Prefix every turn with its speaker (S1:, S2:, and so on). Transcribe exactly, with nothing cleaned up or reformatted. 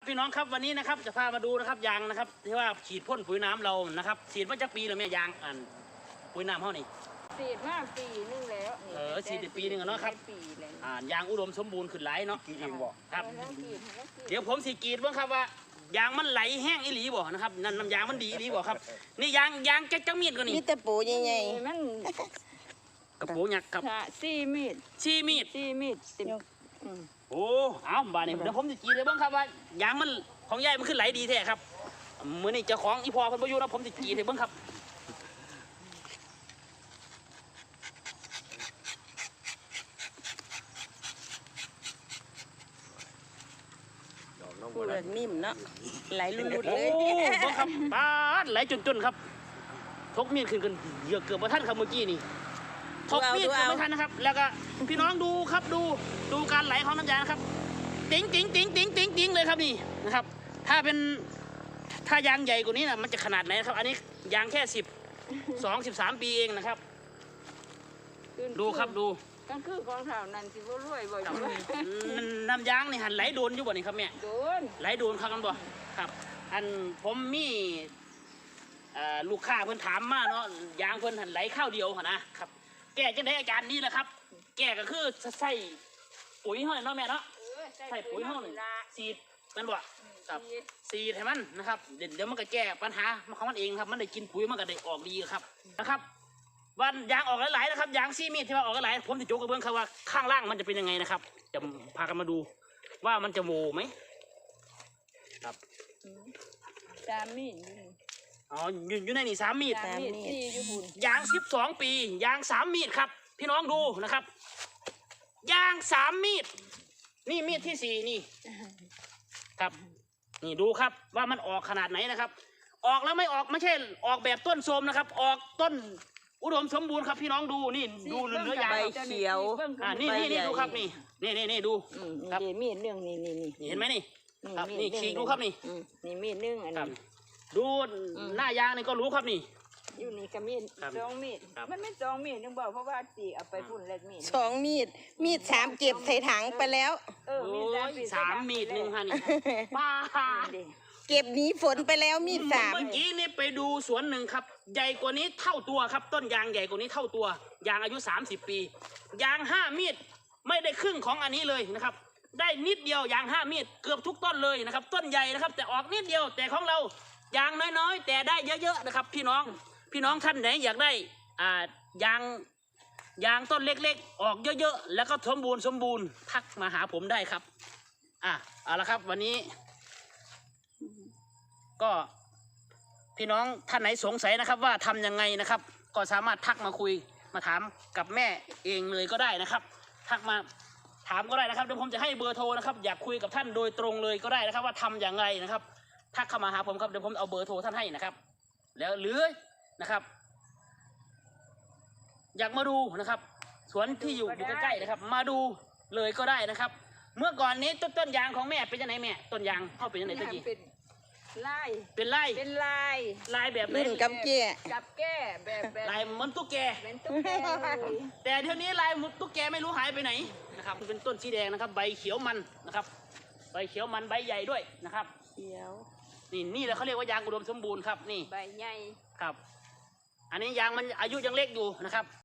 S1: พี่น้องครับวันนี้นะครับจะพามาดูนะครับยางนะครับที่ว่าฉีดพ่นปุ๋ยน้ำเรานะครับฉีดมาจากปีแล้วแม่ยางอันปุ๋ยน้ำเขานี่
S2: ฉีดมาปีนึงแล้ว
S1: เออฉีดปีนึงเนาะครับอ่ายางอุดมสมบูรณ์ขึ้นไหลเนาะครับเดี๋ยวผมสีกรีดบ้างครับว่ายางมันไหลแห้งอีหลีบ่นะครับนั่นน้ำยางมันดีอีหลีบ่ครับนี่ยางยางแก๊กจังมีดก็นี่
S3: มีแต่ปูใหญ่
S2: ๆมัน
S1: กระปูหยักครับ
S2: ซี่มีด
S1: ซี่มีด
S2: ซี่มีดติด
S1: โอ้เอาบ้านนี้เดี๋ยวผมจะกรีดเลยบ้างครับว่ายางมันของยายมันขึ้นไหลดีแท้ครับมือนี่เจ้าของอีพอเพิ่นบ่อยู่นะผมจะกรีดเลยบ้างครับ
S3: ปูเลยนิ่มเนาะไหลลุดๆเลย
S1: โอ้บ้างครับป้าไหลจนๆครับทกมีดขึ้นกันเยอะเกือบประทันครับเมื่อกี้นี่ทกมีดไม่ทันนะครับแล้วก็พี่น้องดูครับดูดูการไหลของน้ำยานะครับติ๋งติ๋งติ๋งติ๋งติ๋งติ๋งเลยครับนี่นะครับถ้าเป็นถ้ายางใหญ่กว่านี้นะมันจะขนาดไหนครับอันนี้ยางแค่สิบสองสิบสามปีเองนะครับดูครับดู
S2: ก็คือของเท่านั้นสิบ่รวยบ่อยู่
S1: น้ำยางนี่หันไหลโดนอยู่บ่นี่ครับแม่
S2: โดน
S1: ไหลโดนครับกันบ่ครับอันผมมีลูกค้าเพิ่นถามมาเนาะยางเพิ่นหันไหลข้าวเดียวนะครับแก้จังได๋อาจารย์นี่แหละครับแก้ก็คือใส่ปุ๋ยห้อยเนาะแม่เนาะใส่ปุ๋ยห้อยสีดมันบ่ครับสีดให้มันนะครับเดี๋ยวมันก็แก้ปัญหาของมันเองครับมันได้กินปุ๋ยมันก็ได้ออกดีครับนะครับวันยางออกหลายๆนะครับยางซี่มีดที่ว่าออกหลายผมจะโจกกระเบื้องครับว่าข้างล่างมันจะเป็นยังไงนะครับจะพากันมาดูว่ามันจะโวไหมครับ
S2: สามมีด
S1: อ๋ออยู่อยู่ในนี่สามมีด
S2: ย
S1: างสิบสองปียางสามมีดครับพี่น้องดูนะครับยางสามมีดนี่มีดที่สี่นี่ครับนี่ดูครับว่ามันออกขนาดไหนนะครับออกแล้วไม่ออกไม่ใช่ออกแบบต้นโทรมนะครับออกต้นอุดมสมบูรณ์ครับพี่น้องดูนี่ดูเนื้อยาง
S3: ใบเขียว
S1: อ่านี่นี่นี่ดูครับนี่นี่นี่นี่ดู
S2: ครับมีดเรื่องนี่นี่นี่
S1: เห็นไหมนี่ครับนี่ขีดดูครับนี่
S2: นี่มีดเรื่องอันนี้
S1: ดูหน้ายางนี่ก็รู้ครับนี่
S2: อยู่นี่ก็มีดสองมีดมันไม่สองมีดนึงบอกเพราะว่าสี่เอาไปพุ่นเล็ดมีด
S3: สองมีดมีดสามเก็บใส่ถังไปแล้ว
S2: เออมีด
S1: สามมีดหนึ่งฮะนี่ป้า
S3: เก็บหนีฝนไปแล้วมีดสาม
S1: เมื่อกี้นี่ไปดูสวนหนึ่งครับใหญ่กว่านี้เท่าตัวครับต้นยางใหญ่กว่านี้เท่าตัวยางอายุสามสิบปียางห้ามีดไม่ได้ครึ่งของอันนี้เลยนะครับได้นิดเดียวยางห้ามีดเกือบทุกต้นเลยนะครับต้นใหญ่นะครับแต่ออกนิดเดียวแต่ของเรายางน้อยๆแต่ได้เยอะๆนะครับพี่น้องพี่น้องท่านไหนอยากได้อ่ายางยางต้นเล็กๆออกเยอะๆแล้วก็สมบูรณ์สมบูรณ์ทักมาหาผมได้ครับอ่ะเอาละครับวันนี้ก็พี่น้องท่านไหนสงสัยนะครับว่าทำยังไงนะครับก็สามารถทักมาคุยมาถามกับแม่เองเลยก็ได้นะครับทักมาถามก็ได้นะครับเดี๋ยวผมจะให้เบอร์โทรนะครับอยากคุยกับท่านโดยตรงเลยก็ได้นะครับว่าทำอย่างไรนะครับทักเข้ามาหาผมครับเดี๋ยวผมเอาเบอร์โทรท่านให้นะครับแล้วหรือนะครับอยากมาดูนะครับสวนที่อยู่อยู่ใกล้ๆนะครับมาดูเลยก็ได้นะครับเมื่อก่อนนี้ต้นต้นยางของแม่เป็นยังไงแม่ต้นยางเข้าเป็นยังไงตะกี้
S2: ลาย
S1: เป็นลาย
S2: เป็นลาย
S1: ลายแบบ
S3: รุ่นกับแก่
S2: กับแก่แบบแบบ
S1: ลายเหมือนตุ๊กแก
S2: เป็นตุ๊กแก
S1: แต่เดี๋ยวนี้ลายมุดตุ๊กแกไม่รู้หายไปไหนนะครับเป็นต้นสีแดงนะครับใบเขียวมันนะครับใบเขียวมันใบใหญ่ด้วยนะครับ
S2: เขียว
S1: นี่นี่แหละเขาเรียกว่ายางอุดมสมบูรณ์ครับนี่
S2: ใบใหญ่
S1: ครับอันนี้ยางมันอายุยังเล็กอยู่นะครับ